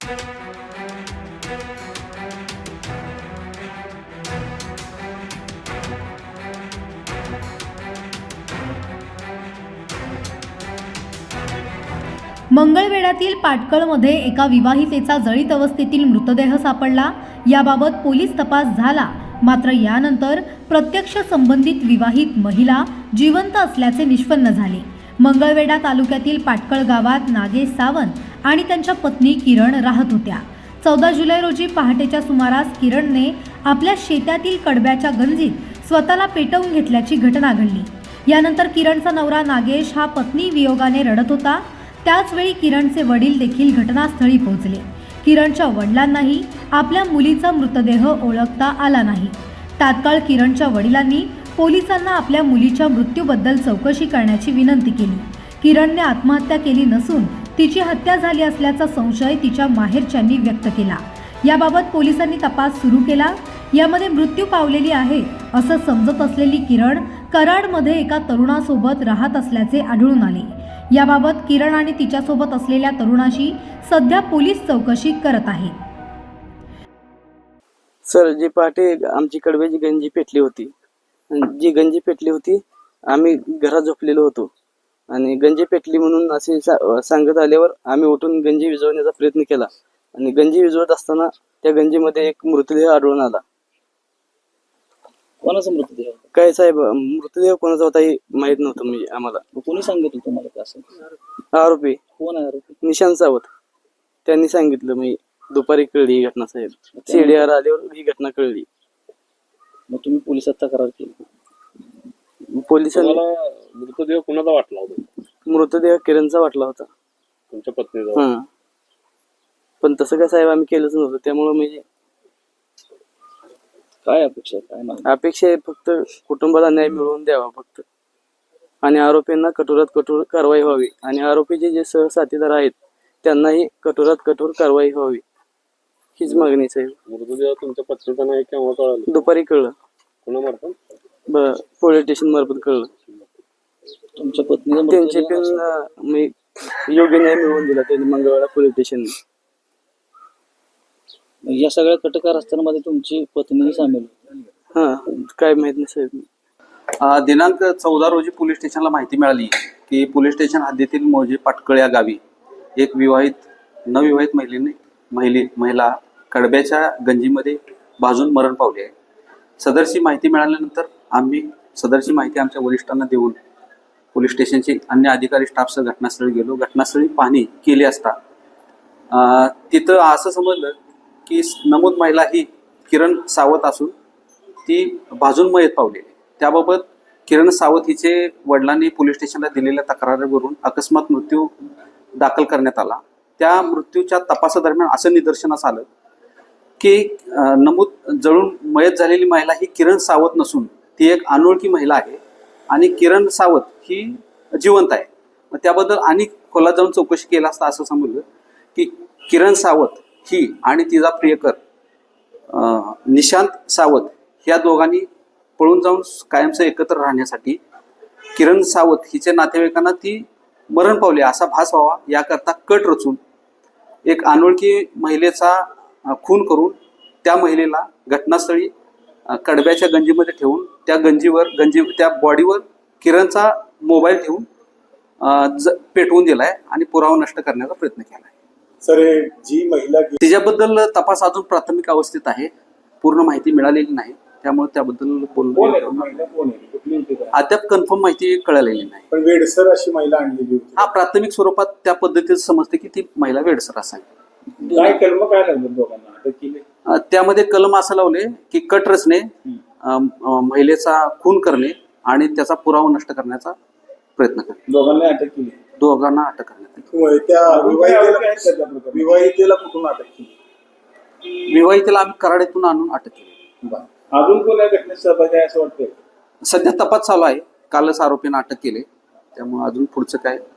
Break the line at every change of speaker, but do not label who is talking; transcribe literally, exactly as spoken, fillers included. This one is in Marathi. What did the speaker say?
मंगळवेढ्यातील पाटकळमध्ये एका विवाहितेचा जळीत अवस्थेतील मृतदेह सापडला। याबाबत पोलीस तपास झाला, मात्र यानंतर प्रत्यक्ष संबंधित विवाहित महिला जिवंत असल्याचे निष्पन्न झाले। मंगळवेढा तालुक्यातील पाटकळ गावात नागेश सावंत आणि त्यांच्या पत्नी किरण राहत होत्या। चौदा जुलै रोजी पहाटेच्या सुमारास किरणने आपल्या शेतातील कडब्याच्या गंजीत स्वतःला पेटवून घेतल्याची घटना घडली। यानंतर किरणचा नवरा नागेश हा पत्नी वियोगाने रडत होता। त्याच वेळी किरणचे वडील देखील घटनास्थळी पोहोचले। किरणच्या वडिलांनाही आपल्या मुलीचा मृतदेह ओळखता आला नाही। तात्काळ किरणच्या वडिलांनी पोलिसांना आपल्या मुलीच्या मृत्यूबद्दल चौकशी करण्याची विनंती केली। किरणने आत्महत्या केली नसून तिची हत्या झाली असल्याचा संशय तिच्या माहेरच्यांनी व्यक्त केला। याबाबत पोलिसांनी तपास सुरू केला। यामध्ये मृत्यू पावलेली आहे असं समजत असलेली किरण कराडमध्ये एका तरुणासोबत राहत असल्याचे आढळून आले। याबाबत किरण आणि तिच्यासोबत असलेल्या तरुणाशी सध्या पोलीस चौकशी करत आहेत।
सर, जी पहाटे आमची कडब्याची गंजी पेटली होती, जी गंजी पेटली होती आम्ही घरात झोपलेलो होतो आणि गंजी पेटली म्हणून असे सांगत आल्यावर आम्ही उठून गंजी विझवण्याचा प्रयत्न केला आणि गंजी विझवत असताना त्या गंजीमध्ये एक मृतदेह आढळून आला।
कोणाचा मृतदेह?
काय साहेब, मृतदेह कोणाचा होता हे माहित नव्हतं म्हणजे आम्हाला।
कोणी सांगितलं तुम्हाला का असं?
आरोपी
कोण आहे आरोपी?
निशांत सावंत, त्यांनी सांगितलं। मी दुपारी कळली ही घटना साहेब, सीडीआर आल्यावर ही घटना कळली।
मग तुम्ही पोलिसात तक्रार केली?
पोलिसांनी
मृतदेह कोणाचा वाटला होता?
मृतदेह किरणचा वाटला होता,
तुमच्या पत्नीचा।
हा, पण तसं काय साहेब आम्ही केलंच नव्हतं। त्यामुळे म्हणजे
काय अपेक्षा काय नाही?
अपेक्षा आहे फक्त कुटुंबाला न्याय मिळवून द्यावा फक्त, आणि आरोपींना कठोरात कठोर कारवाई व्हावी आणि आरोपीचे जे सहसाथीदार आहेत त्यांनाही कठोरात कठोर कारवाई व्हावी हीच मागणी साहेब।
मृतदेह तुमच्या पत्नीचा नाही केव्हा कळलं?
दुपारी कळलं,
कोणामार्फत?
पोलीस स्टेशन मार्फत कळलं।
तुमच्या पत्नीचा
त्यांचे पण मी योग्य न्याय मिळवून दिला त्यांनी मंगळवेढा पोलीस स्टेशनने।
या सगळ्या कटकार असताना तुमची पत्नी सामील होती?
हा, काय माहित नाही साहेब।
दिनांक चौदा रोजी पोलीस स्टेशनला माहिती मिळाली की पोलीस स्टेशन हद्दीतील मौजे पाटकळ या गावी एक विवाहित नवविवाहित महिलेने महिली महिला कडब्याच्या गंजीमध्ये भाजून मरण पावली आहे। सदरची माहिती मिळाल्यानंतर आम्ही सदरची माहिती आमच्या वरिष्ठांना देऊन पोलीस स्टेशनचे अन्य अधिकारी स्टाफसह घटनास्थळी गेलो। घटनास्थळी पाहणी केली असता तिथं असं समजलं की नमूद महिला ही किरण सावंत असून ती भाजून मयत पावली। त्याबाबत किरण सावंत हिचे वडिलांनी पोलीस स्टेशनला दिलेल्या तक्रारीवरून अकस्मात मृत्यू दाखल करण्यात आला। त्या मृत्यूच्या तपासादरम्यान असं निदर्शनास आलं की नमूद जळून मयत झालेली महिला ही किरण सावंत नसून ती एक अनोळखी महिला आहे आणि किरण सावंत ही जिवंत आहे। मग त्याबद्दल आणि खोलात जाऊन चौकशी केला असता असं समजलं की किरण सावंत ही आणि तिचा प्रियकर निशांत सावंत ह्या दोघांनी पळून जाऊन कायमचं एकत्र राहण्यासाठी किरण सावंत हिच्या नातेवाईकांना ती मरण पावली असा भास व्हावा याकरता कट रचून एक अनोळखी महिलेचा खून करून त्या महिलेला घटनास्थळी कडब्याच्या गंजीमध्ये ठेवून त्या गंजीवर गंजी त्या बॉडीवर किरणचा मोबाईल ठेवून पेटवून दिलाय आणि पुरावा नष्ट करण्याचा प्रयत्न केलाय।
सर, जी महिला
तिच्याबद्दल तपास अजून प्राथमिक अवस्थेत आहे, पूर्ण माहिती मिळालेली नाही, त्यामुळे त्याबद्दल अद्याप कन्फर्म माहिती कळालेली नाही।
पण वेडसर अशी महिला आणलेली होती।
हा, प्राथमिक स्वरूपात त्या पद्धतीने समजते की ती महिला वेडसर असावी।
काय कलम काय लागलं दोघांना अटक केली?
त्यामध्ये कलम असं लावले की कट रचने, महिलेचा खून करणे आणि त्याचा पुरावा नष्ट करण्याचा प्रयत्न करणे।
दोघांना अटक केली?
दोघांना अटक करण्यात आली।
त्या विवाहितेला विवाहितेला कुठून अटक केली?
विवाहितेला आम्ही कराड आणून अटक केली।
अजून कोण या घटनेत सहभागी आहे असं वाटतंय?
सध्या तपास चालू आहे, कालच आरोपींना अटक केली, त्यामुळे अजून पुढचं काय